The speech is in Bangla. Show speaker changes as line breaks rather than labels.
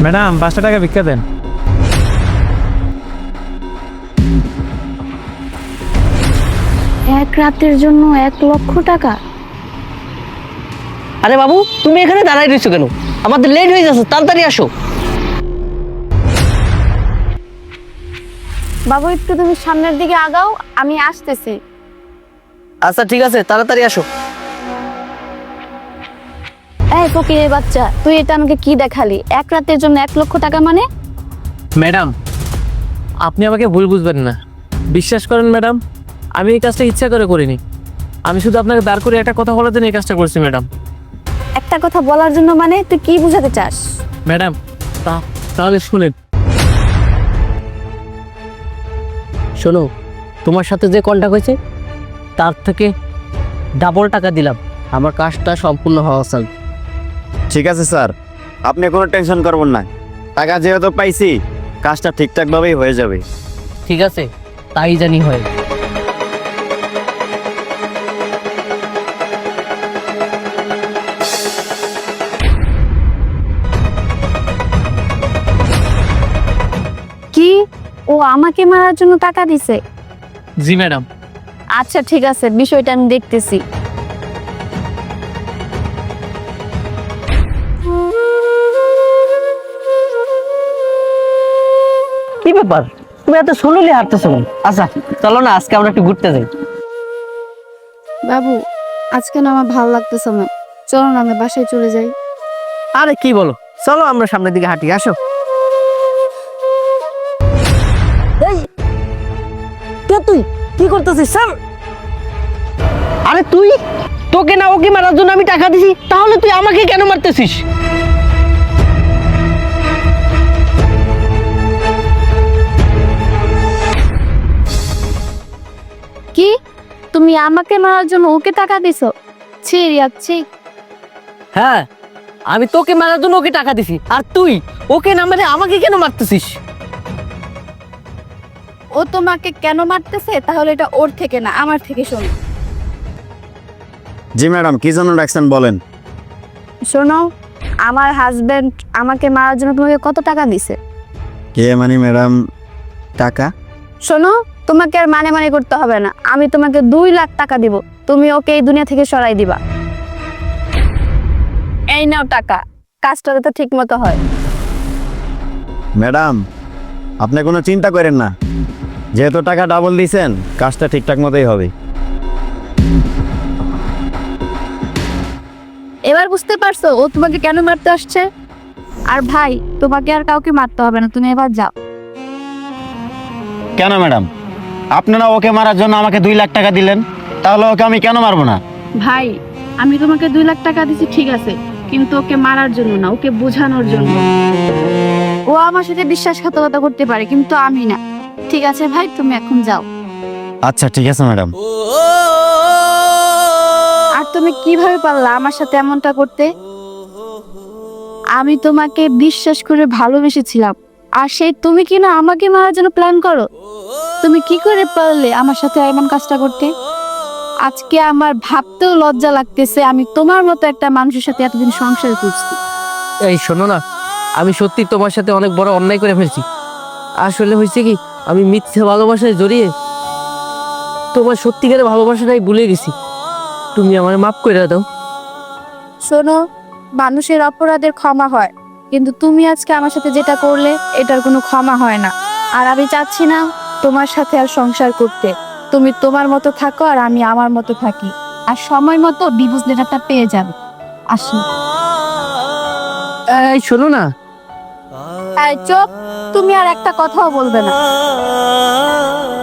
ম্যাডাম 500 টাকা ভিক্ষা দেন।
এক রাতের জন্য 1,00,000 টাকা?
আরে বাবু, তুমি এখানে দাঁড়াই রয়েছো কেন? আমাদের লেট হয়ে যাচ্ছে, তাড়াতাড়ি আসো।
বাবু একটু তুমি সামনের দিকে আগাও, আমি আসতেছি।
আচ্ছা ঠিক আছে, তাড়াতাড়ি আসো।
এই ফকিরের বাচ্চা, তুই এটা আমাকে কি দেখালি? এক রাতের জন্য 1,00,000 টাকা মানে?
ম্যাডাম, আপনি আমাকে ভুল বুঝবেন না। বিশ্বাস করেন ম্যাডাম, আমি এই কাজটা ইচ্ছা করে করিনি। আমি শুধু আপনাকে দাঁড় করে একটা কথা বলার জন্য এই কাজটা করছি ম্যাডাম।
একটা কথা বলার জন্য মানে তুই কি বোঝাতে চাস?
ম্যাডাম, তাহলে শুনেন।
শোনো, তোমার সাথে যে কন্ট্যাক্ট হয়েছে তার থেকে ডাবল টাকা দিলাম। আমার কাজটা সম্পূর্ণ হওয়া চাই।
ঠিক আছে স্যার, আপনি কোনো টেনশন করবেন না। টাকা যেহেতু পাইছি, কাজটা ঠিকঠাকভাবেই হয়ে যাবে।
ঠিক আছে, তাই জানি হয়।
কি ও আমাকে মারার জন্য টাকা দিছে?
জি ম্যাডাম।
আচ্ছা ঠিক আছে, বিষয়টা আমি দেখতেছি।
কি ব্যাপার, তুমি এত স্লোলি হাঁটতেছো কেন? আচ্ছা চলো না, আজকে আমরা একটু ঘুরতে যাই।
বাবু, আজকে না আমার ভালো লাগতেছে না, চলো না আমরা বাসায় চলে যাই।
আরে কি বলো, চলো আমরা সামনের দিকে হাঁটি, আসো। তুই কি করতেছিস স্যার? আরে তুই, তোকে না ওকে মারার জন্য আমি টাকা দিছি, তাহলে তুই আমাকে কেন মারতেছিস?
কি তুমি আমাকে মারার জন্য ওকে টাকা দিছো? ছি রিয়াচ্ছি।
হ্যাঁ, আমি তোকে মারার জন্য ওকে টাকা দিছি, আর তুই ওকে না মেরে আমাকে কেন মারতেছিস?
ও তোমাকে কেন মারতেছে তাহলে এটা ওর থেকে না, আমার থেকে শোনো।
জি ম্যাডাম, কি জন্য ডাকছেন বলেন।
শোনো, আমার হাজবেন্ড আমাকে মারার জন্য তোমাকে কত টাকা দিছে?
কে মানে ম্যাডাম? টাকা?
শোনো, তোমাকে আর মানে মানে করতে হবে না, আমি তোমাকে 2,00,000 টাকা দিব, তুমি ওকে এই দুনিয়া থেকে সরাই দিবা। এই নাও টাকা, কাজটা তো ঠিক মতো হয়।
ম্যাডাম, আপনি কোনো চিন্তা করেন না, যেহেতু টাকা ডাবল দিয়েছেন, কাজটা ঠিকঠাক মতোই হবে।
এবার বুঝতে পারছো ও তোমাকে কেন মারতে আসছে? আর ভাই, তোমাকে আর কাউকে মারতে হবে না, তুমি এবার যাও।
কেন ম্যাডাম, আপনারা ওকে মারার জন্য আমাকে 2,00,000 টাকা দিলেন, তাহলে ওকে আমি কেন মারবো না?
ভাই, আমি তোমাকে 2,00,000 টাকা দিছি ঠিক আছে, কিন্তু ওকে মারার জন্য না, ওকে বোঝানোর জন্য। ও আমার সাথে বিশ্বাসঘাতকতা করতে পারে, কিন্তু আমি না। ঠিক আছে ভাই, তুমি এখন যাও।
আচ্ছা ঠিক আছে ম্যাডাম।
আর তুমি কিভাবে পারলা আমার সাথে এমনটা করতে? আমি তোমাকে বিশ্বাস করে ভালোবেসেছিলাম, আর সেই তুমি কি না আমাকে মারার জন্য প্ল্যান করো? তুমি কি করে পারলে আমার সাথে এমন কাজটা করতে? আজকে আমার ভাবতেও লজ্জা লাগতেছে, আমি তোমার মতো একটা মানুষের সাথে এতদিন সংসার করছি।
এই শোনো না, আমি সত্যি তোমার সাথে অনেক বড় অন্যায় করে ফেলছি। আসলে হয়েছে কি, আমি মিথ্যে ভালোবাসায় জড়িয়ে তোমার সত্যিকারের ভালোবাসাটাই ভুলে গেছি। তুমি আমার মাফ করে দাও।
শোনো, মানুষের অপরাধের ক্ষমা হয়, কিন্তু তুমি আজকে আমার সাথে যেটা করলে এটার কোনো ক্ষমা হয় না। আর আমি চাচ্ছি না তোমার সাথে আর সংসার করতে। তুমি তোমার মতো থাকো আর আমি আমার মতো থাকি, আর সময় মতো ডিভোর্স লেটারটা পেয়ে যাবে। আসি।
এই শোনো না,
এই চুপ, তুমি আর একটা কথাও বলবে না।